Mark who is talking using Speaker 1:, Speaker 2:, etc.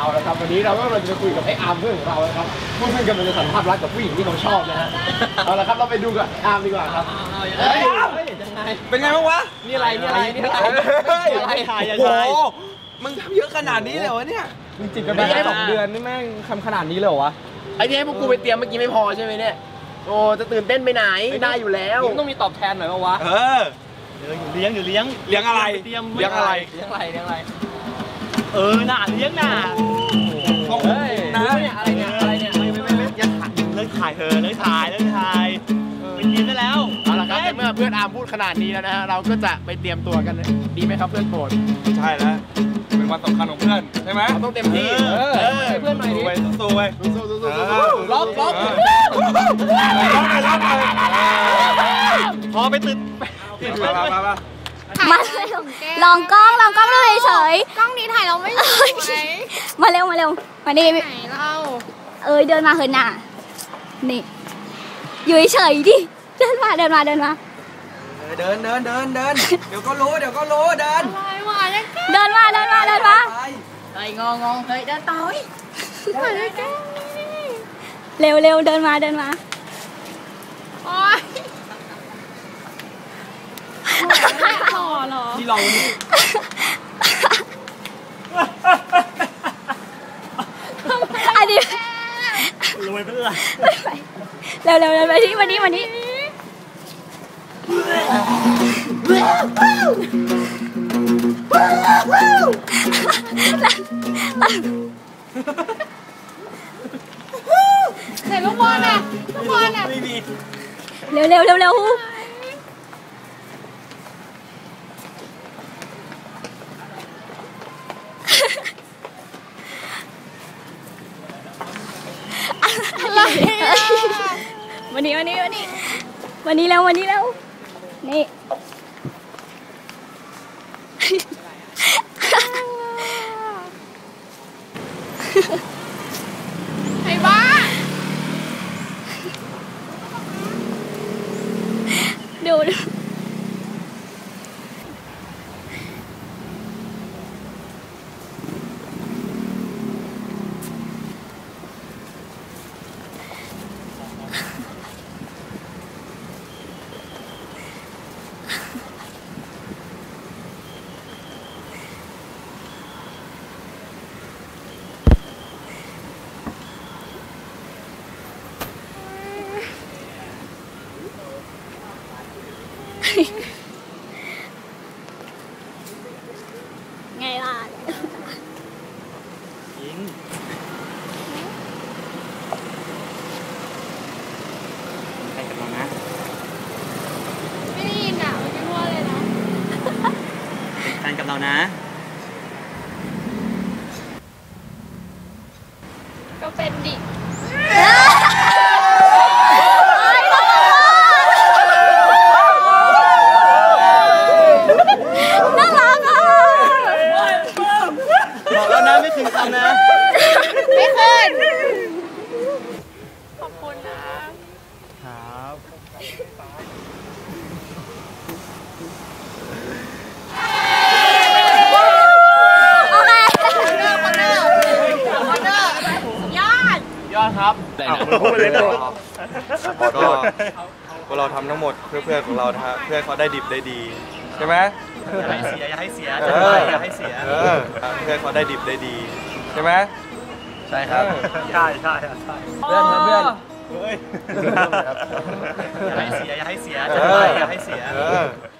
Speaker 1: เอาละครับวันนี้เราก็จะคุยกับไอ้อาร์มเพื่อนของเราครับเพื่อนกำลังจะสัมภาษณ์รักกับผู้หญิงที่เขาชอบนะฮะเอาละครับเราไปดูกับอาร์มดีกว่าครับ
Speaker 2: เป็นไงบ้างวะ
Speaker 1: นี่อะไรถ่ายโอ้โห
Speaker 2: มึงทำเยอะขนาดนี้เลยวะเนี่ย
Speaker 1: มึงจิบกันไปแค่2 เดือนนี่แม่งทำขนาดนี้เลยเหรอวะไอ้ที่ให้พวกกูไปเตรียมเมื่อกี้ไม่พอใช่ไหมเนี่ยโอ้จะตื่นเต้นไปไหนได้อยู่แล้วต้องมีตอบแทนหน่อยป่าววะ
Speaker 2: เลี้ยงอะไรเลี้ยงอะไรน่ะเลี้ยงน่ะนะ
Speaker 1: อะไรเนี่ย
Speaker 2: ไม่ยังถ่ายเลิกถ่ายไปกินได้แล้ว
Speaker 1: เอาละครับเมื่อเพื่อนอาร์มพูดขนาดนี้แล้วนะฮะเราก็จะไปเตรียมตัวกันดีไหมครับเพื่อนโปรด
Speaker 2: ใช่แล้วเป็นวันสำคัญของเพื่อนใช่ไหม
Speaker 1: เราต้องเต็มที่เพื่อนหน่อยดิ
Speaker 2: สู้ไป
Speaker 1: ล็อก
Speaker 2: พอไปตื่น
Speaker 3: มาลองกล้องดูเฉย
Speaker 4: กล้องนี้ถ่ายเราไม่สวย
Speaker 3: มาเร็วมานี่
Speaker 4: ไหนเรา
Speaker 3: เดินมาเหินหน้านี่อยู่เฉยดิเดินมา
Speaker 2: เดินเดี๋ยวก็รู้เดิน
Speaker 4: อะไรวะเนี่ย
Speaker 3: เดินมา
Speaker 4: ไอ้งงเฮ้ยเดินต่อยถ่ายได้แค่
Speaker 3: เร็วเดินมา
Speaker 4: โอ๊ยหล่อเหรอ
Speaker 1: ที่เรา
Speaker 3: อันนี้
Speaker 2: รวยไปเลย
Speaker 3: เร็วไปที่วันนี้
Speaker 4: ไหนลูกบอลอ่ะ
Speaker 2: ไม่มี
Speaker 3: เร็ว
Speaker 4: อะไร
Speaker 3: วันนี้แล้วนี่
Speaker 4: ไอ้บ้า
Speaker 3: ดูไงล่ะ
Speaker 2: ยิงใครกันบ้างนะ
Speaker 4: ไม่ได้ยินอ่ะไม่รู้เลยนะ
Speaker 2: เป็นแฟนกับเรานะ
Speaker 4: ก็เป็นดิ
Speaker 2: ไม่คืนคำนะ
Speaker 4: ไม่คืนขอบคุณนะครับ
Speaker 1: ยอดครับ
Speaker 2: พูดเลยนะก็พวกเราทำทั้งหมดเพื่อนของเรานะฮะเพื่อเขาได้ดิบได้ดีใช่ไหมอย่าให้เสียเพื่อเขาได้ดิบได้ดีใช่ไหม
Speaker 1: ใช่ครับ
Speaker 2: ใช่
Speaker 1: เพื่อนอย่า
Speaker 2: ให้เสียอย่าให้เสีย